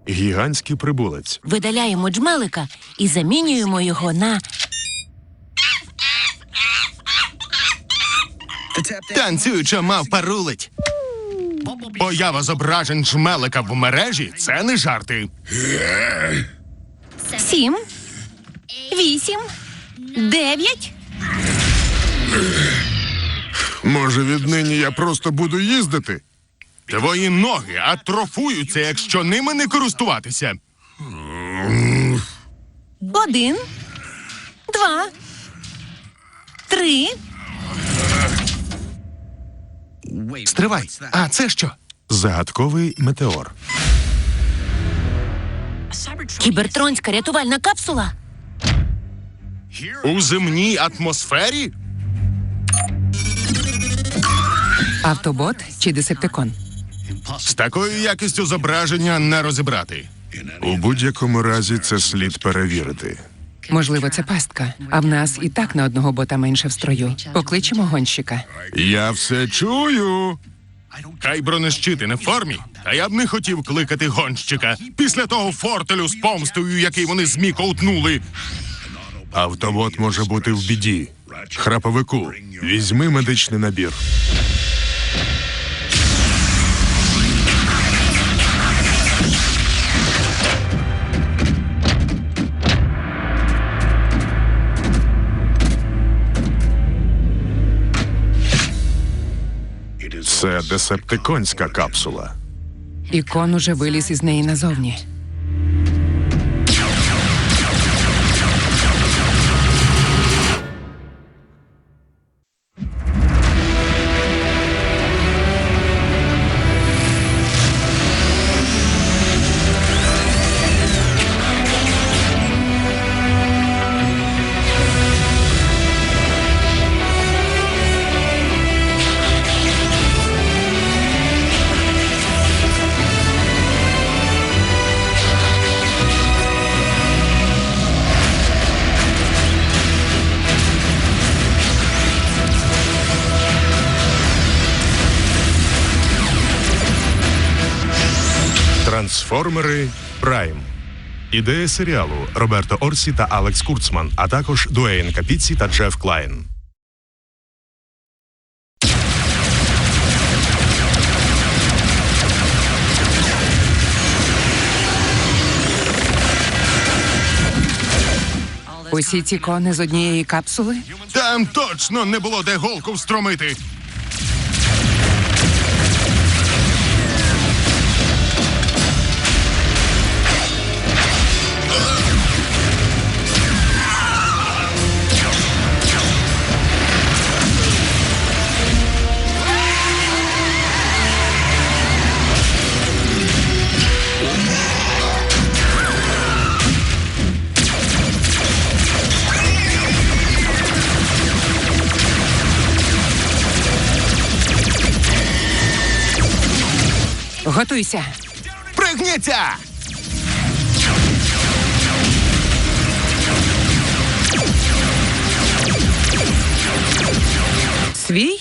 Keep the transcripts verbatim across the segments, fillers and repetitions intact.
Гігантський прибулець. Видаляємо джмелика і замінюємо його на... Танцююча мавпа рулить. Поява зображень джмелика в мережі – це не жарти. Сім, вісім, дев'ять. Може, віднині я просто буду їздити? Твої ноги атрофуються, якщо ними не користуватися. Один, два, три. Стривай. А це що? Загадковий метеор. Кібертронська рятувальна капсула. У земній атмосфері? Автобот чи десептикон? З такою якістю зображення не розібрати. У будь-якому разі це слід перевірити. Можливо, це пастка, а в нас і так на одного бота менше в строю. Покличемо гонщика. Я все чую. Хай бронещити не в формі, та я б не хотів кликати гонщика після того фортелю з помстою, який вони змі ковтнули. Автобот може бути в біді. Храповику, візьми медичний набір. Це десептиконська капсула. Ікон уже виліз із неї назовні. Трансформери Прайм. Ідея серіалу Роберто Орсі та Алекс Курцман, а також Дуейн Капіці та Джеф Клайн. Усі ці кони з однієї капсули? Там точно не було де голку встромити. Готуйся! Пригніться! Свій?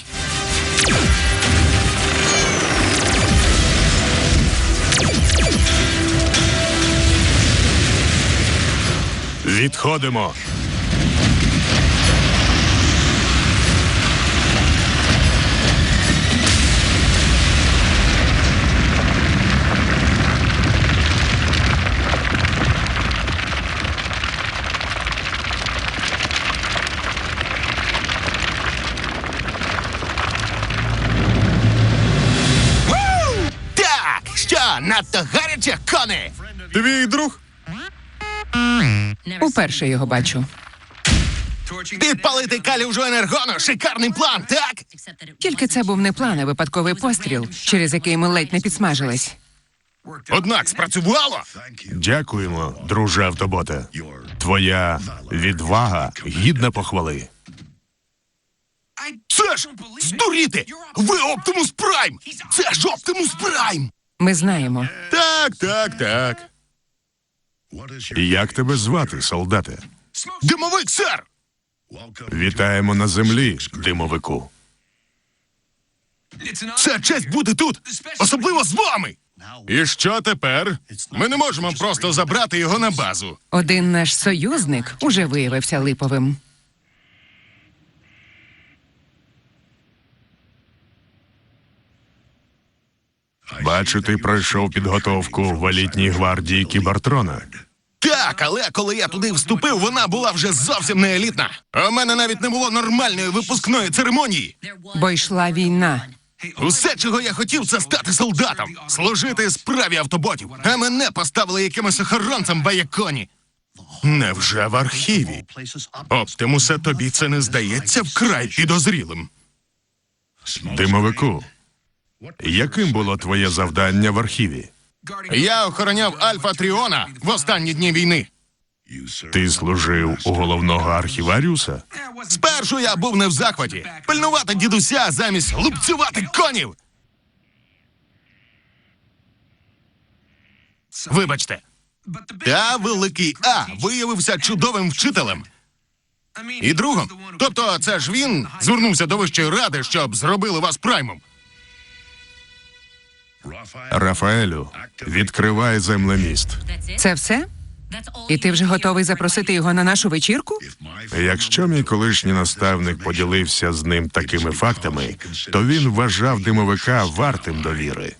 Відходимо. Так, що, надто гаряче, кони? Твій друг? Уперше його бачу. Підпалити калюжу енергону – шикарний план, так? Тільки це був не план, а випадковий постріл, через який ми ледь не підсмажились. Однак спрацювало. Дякуємо, друже автоботе. Твоя відвага гідна похвали. Це ж здуріти! Ви Оптимус Прайм! Це ж Оптимус Прайм! Ми знаємо. Так, так, так. Як тебе звати, солдате? Димовик, сер! Вітаємо на землі, димовику. Це честь бути тут! Особливо з вами! І що тепер? Ми не можемо просто забрати його на базу. Один наш союзник уже виявився липовим. Бачу, ти пройшов підготовку в елітній гвардії Кібертрона. Так, але коли я туди вступив, вона була вже зовсім не елітна. У мене навіть не було нормальної випускної церемонії. Бо йшла війна. Усе, чого я хотів, це стати солдатом, служити справі автоботів. А мене поставили якимось охоронцем в Аяконі. Невже в архіві? Оптимусе, тобі це не здається вкрай підозрілим? Димовику, яким було твоє завдання в архіві? Я охороняв Альфа Тріона в останні дні війни. Ти служив у головного архіваріуса? Спершу я був не в захваті. Пильнувати дідуся замість лупцювати конів. Вибачте. Та великий А виявився чудовим вчителем. І другом. Тобто це ж він звернувся до Вищої Ради, щоб зробили вас праймом. Рафаелю, відкривай землеміст. Це все? І ти вже готовий запросити його на нашу вечірку? Якщо мій колишній наставник поділився з ним такими фактами, то він вважав димовика вартим довіри.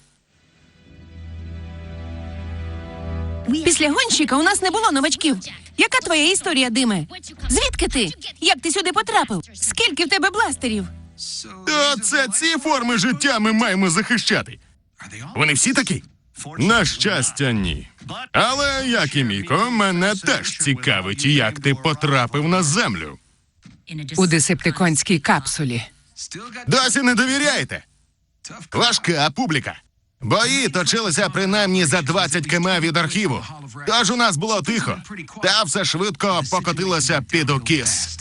Після гонщика у нас не було новачків. Яка твоя історія, Диме? Звідки ти? Як ти сюди потрапив? Скільки в тебе бластерів? Оце ці форми життя ми маємо захищати. Вони всі такі? На щастя, ні. Але, як і Міко, мене теж цікавить, як ти потрапив на землю. У десептиконській капсулі. Досі не довіряєте? Важка публіка. Бої точилися принаймні за двадцять кілометрів від архіву. Тож у нас було тихо. Та все швидко покотилося під укіс.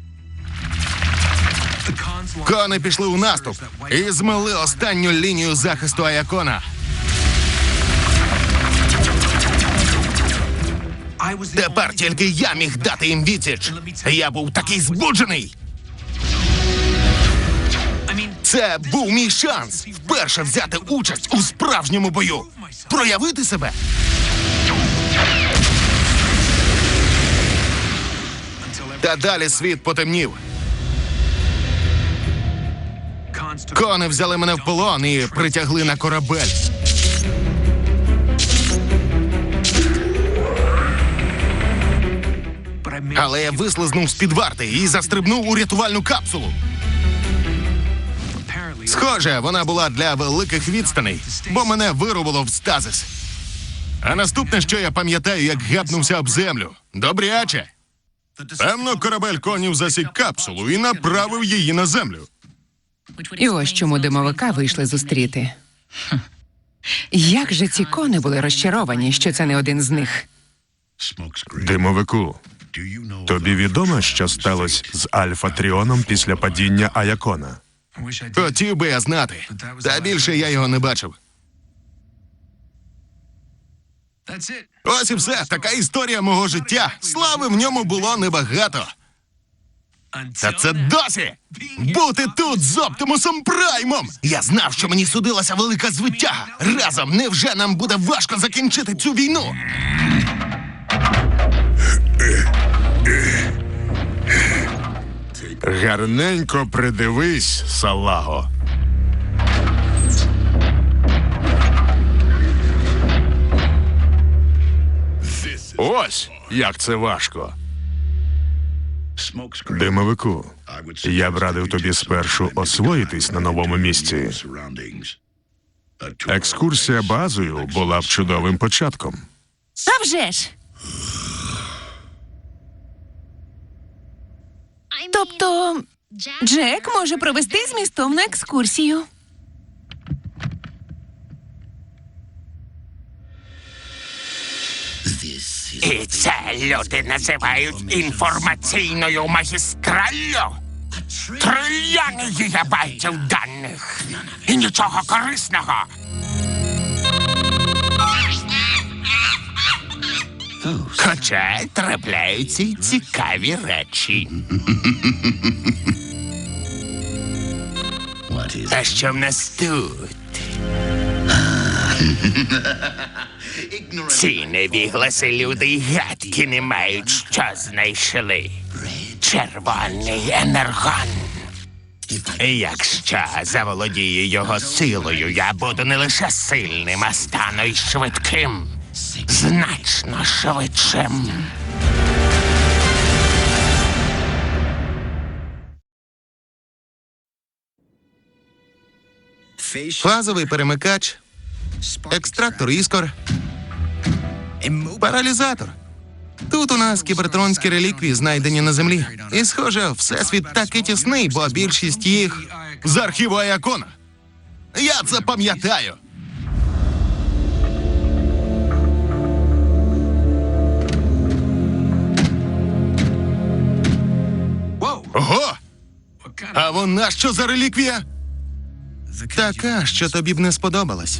Кони пішли у наступ і змили останню лінію захисту Аякона. Тепер тільки я міг дати їм відсіч. Я був такий збуджений. Це був мій шанс вперше взяти участь у справжньому бою. Проявити себе. Та далі світ потемнів. Кони взяли мене в полон і притягли на корабель. Але я вислизнув з-під варти і застрибнув у рятувальну капсулу. Схоже, вона була для великих відстаней, бо мене вирубило в стазис. А наступне, що я пам'ятаю, як гепнувся об землю. Добряче. Певно, корабель конів засік капсулу і направив її на землю. І ось чому димовика вийшли зустріти. Як же ці кони були розчаровані, що це не один з них. Димовику, тобі відомо, що сталося з Альфа Тріоном після падіння Аякона? Хотів би я знати. Та більше я його не бачив. Ось і все. Така історія мого життя. Слави в ньому було небагато. Та це досі! Бути тут з Оптимусом Праймом! Я знав, що мені судилася велика звитяга. Разом невже нам буде важко закінчити цю війну? Гарненько придивись, салаго. Ось як це важко. Димовику, я б радив тобі спершу освоїтись на новому місці. Екскурсія базою була б чудовим початком. А вже ж! Тобто, Джек може провести змістовну екскурсію. І це люди називають інформаційною магістраллю? Трильйони гігабайтів даних. І нічого корисного. Хоча трапляються й цікаві речі. А що в нас тут? Ці невігласи люди й гадки не мають, що знайшли. Червоний енергон. І якщо заволодію його силою, я буду не лише сильним, а стану й швидким. Значно швидшим. Фазовий перемикач, екстрактор іскор, паралізатор. Тут у нас кібертронські реліквії, знайдені на землі. І, схоже, всесвіт таки тісний, бо більшість їх з архіву Аякона. Я це пам'ятаю. Ого! А вона що за реліквія? Така, що тобі б не сподобалась.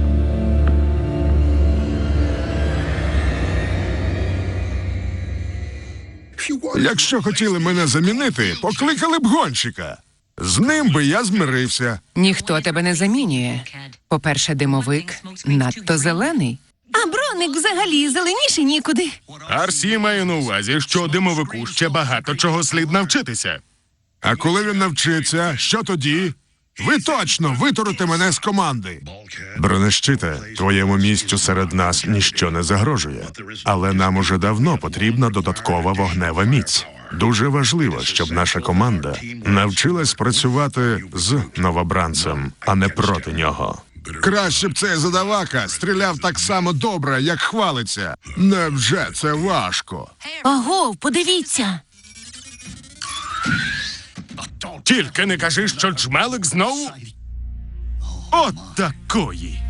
Якщо хотіли мене замінити, покликали б гонщика. З ним би я змирився. Ніхто тебе не замінює. По-перше, димовик надто зелений. А броник взагалі зеленіший нікуди. Арсі має на увазі, що димовику ще багато чого слід навчитися. А коли він навчиться, що тоді? Ви точно витурите мене з команди. Бронещите, твоєму місцю серед нас ніщо не загрожує. Але нам уже давно потрібна додаткова вогнева міць. Дуже важливо, щоб наша команда навчилась працювати з новобранцем, а не проти нього. Краще б цей задавака стріляв так само добре, як хвалиться. Невже це важко? Ого, подивіться. Тільки не кажи, що джмелик знову. От такої.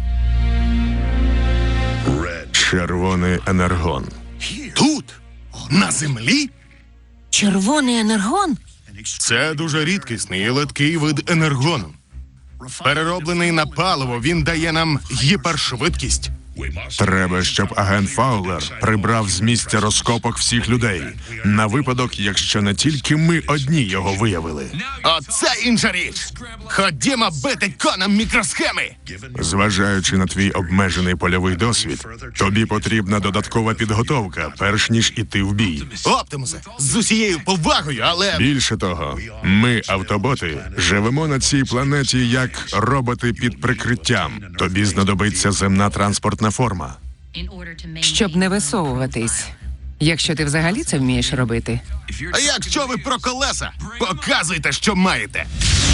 Червоний енергон. Тут? На землі? Червоний енергон? Це дуже рідкісний і литкий вид енергону. Перероблений на паливо, він дає нам гіпершвидкість. Треба, щоб агент Фаулер прибрав з місця розкопок всіх людей. На випадок, якщо не тільки ми одні його виявили. Оце інша річ. Ходімо бити конам мікросхеми. Зважаючи на твій обмежений польовий досвід, тобі потрібна додаткова підготовка, перш ніж іти в бій. Оптимусе, з усією повагою, але... Більше того, ми, автоботи, живемо на цій планеті як роботи під прикриттям. Тобі знадобиться земна транспортна форма. Щоб не висовуватись. Якщо ти взагалі це вмієш робити. А якщо ви про колеса, показуйте, що маєте.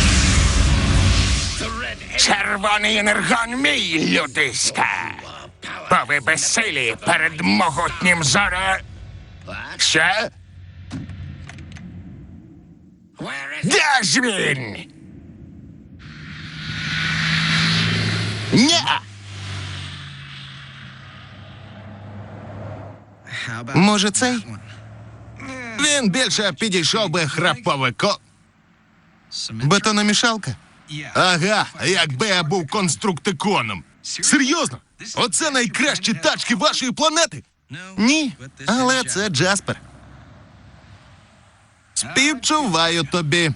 Червоний енергон мій, людиська. Бо ви безсилі перед могутнім зоре... Ще? Де ж він? Ня! Може, цей? Він більше підійшов би храповико. Бетономішалка? Ага, якби я був конструктиконом. Серйозно? Оце найкращі тачки вашої планети? Ні, але це Джаспер. Співчуваю тобі.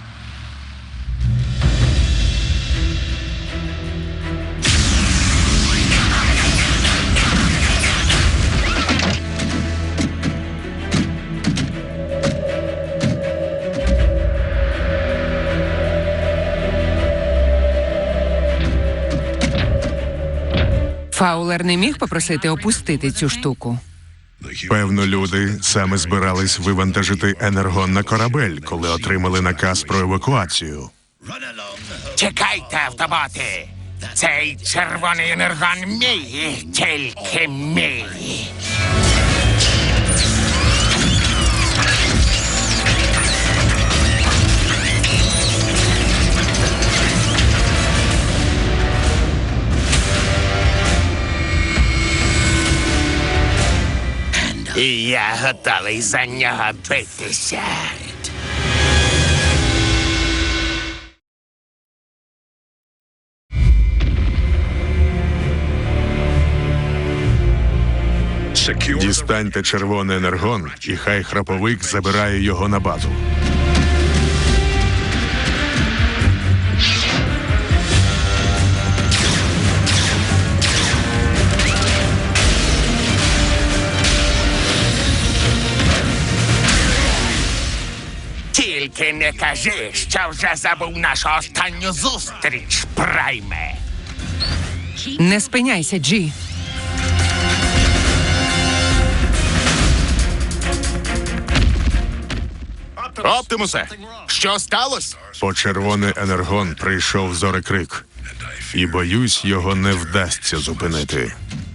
Фаулер не міг попросити опустити цю штуку. Певно, люди саме збирались вивантажити енергон на корабель, коли отримали наказ про евакуацію. Чекайте, автоботи! Цей червоний енергон мій, тільки мій. І я готовий за нього битися. Дістаньте червоний енергон, і хай храповик забирає його на базу. Тільки не кажи, що вже забув нашу останню зустріч, Прайме. Не спиняйся, Джі. Оптимусе, що сталося? Почервоний енергон прийшов зорекрик. І боюсь, його не вдасться зупинити.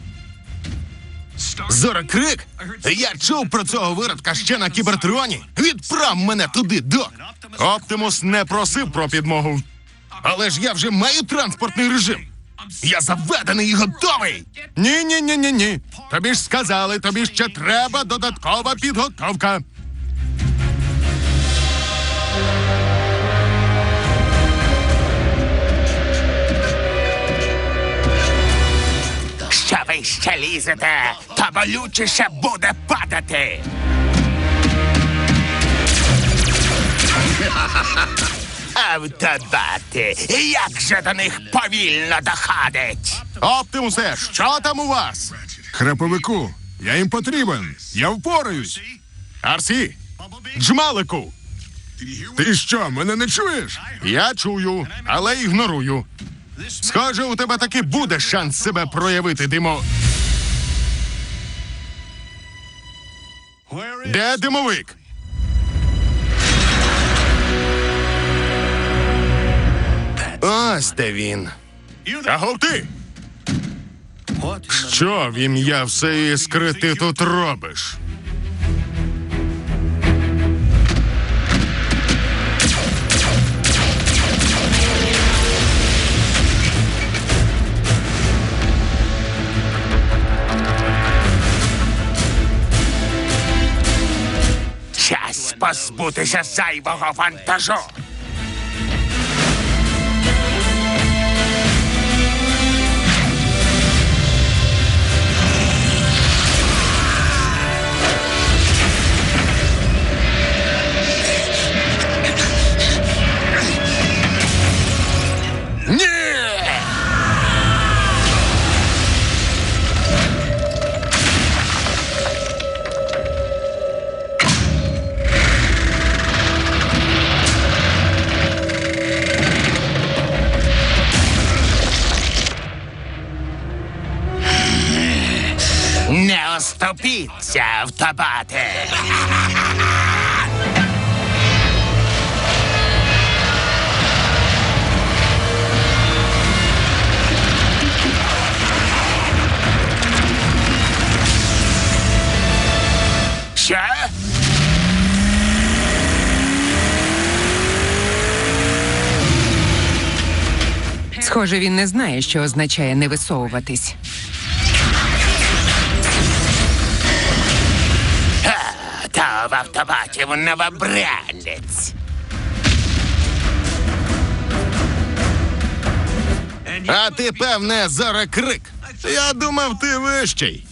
Зорекрик? Я чув про цього виродка ще на Кібертроні. Відправ мене туди, док. Оптимус не просив про підмогу. Але ж я вже маю транспортний режим. Я заведений і готовий. Ні-ні-ні-ні-ні. Тобі ж сказали, тобі ще треба додаткова підготовка. Що ви ще лізете, то болючіше буде падати. Автобати, як же до них повільно доходить. Оптимусе, що там у вас? Храповику, я їм потрібен. Я впораюсь. Арсі, Джмалику, Ти що, мене не чуєш? я чую, але ігнорую. Схоже, у тебе таки буде шанс себе проявити, Димо. Де димовик? Ось де він. Агов ти! Що в ім'я все іскри ти тут робиш? Час позбутися зайвого вантажу. Ні! Не оступіться, автобати. Що? Схоже, він не знає, що означає не висовуватись. Та в автобатів новобранець. А ти, певне, зорекрик. Я думав, ти вищий.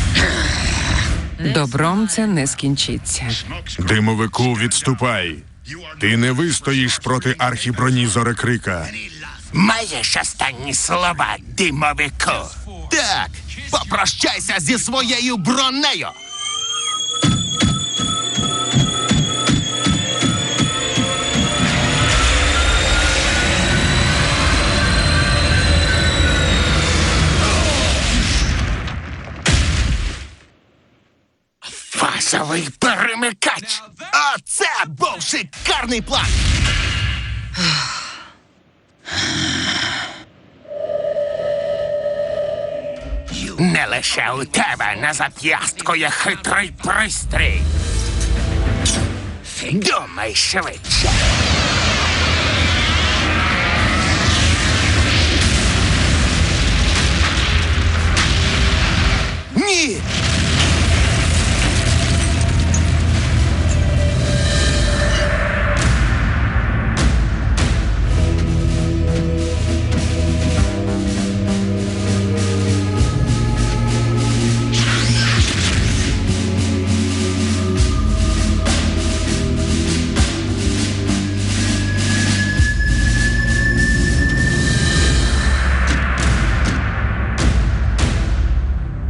Добром це не скінчиться. Димовику, відступай. Ти не вистоїш проти архіброні зорекрика. Маєш останні слова, димовику? Так, попрощайся зі своєю бронею. Фасовий перемикач. Оце був шикарний план. Не лише у тебе на зап'ястку є хитрий пристрій. Думай швидше. Ні!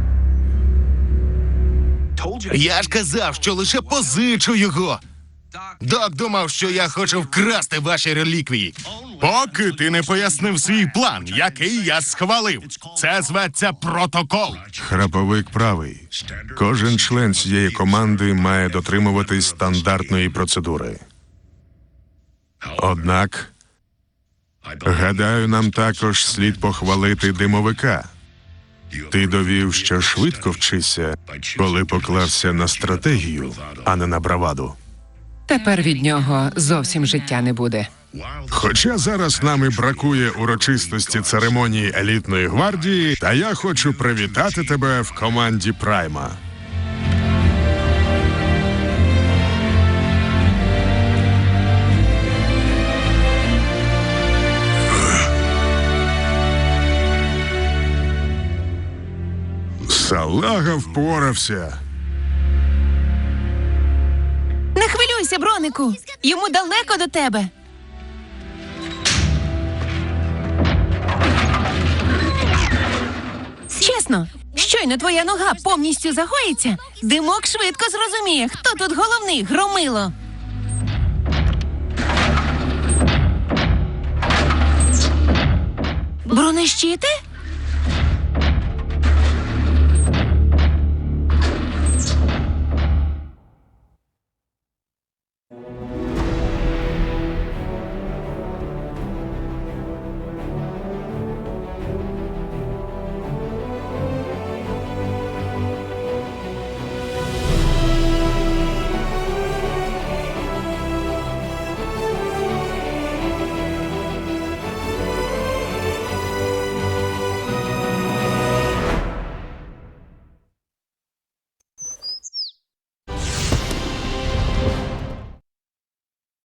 Я ж казав, що лише позичу його. Док думав, що я хочу вкрасти ваші реліквії. Поки ти не пояснив свій план, який я схвалив. Це зветься протокол. Храповик правий. Кожен член цієї команди має дотримуватись стандартної процедури. Однак, гадаю, нам також слід похвалити димовика. Ти довів, що швидко вчишся, коли поклався на стратегію, а не на браваду. Тепер від нього зовсім життя не буде. Хоча зараз нам і бракує урочистості церемонії елітної гвардії, та я хочу привітати тебе в команді Прайма. Салага впорався. Не хвилюйся, бронику. Йому далеко до тебе. Чесно, щойно твоя нога повністю загоїться, димок швидко зрозуміє, хто тут головний, громило. Бронещити?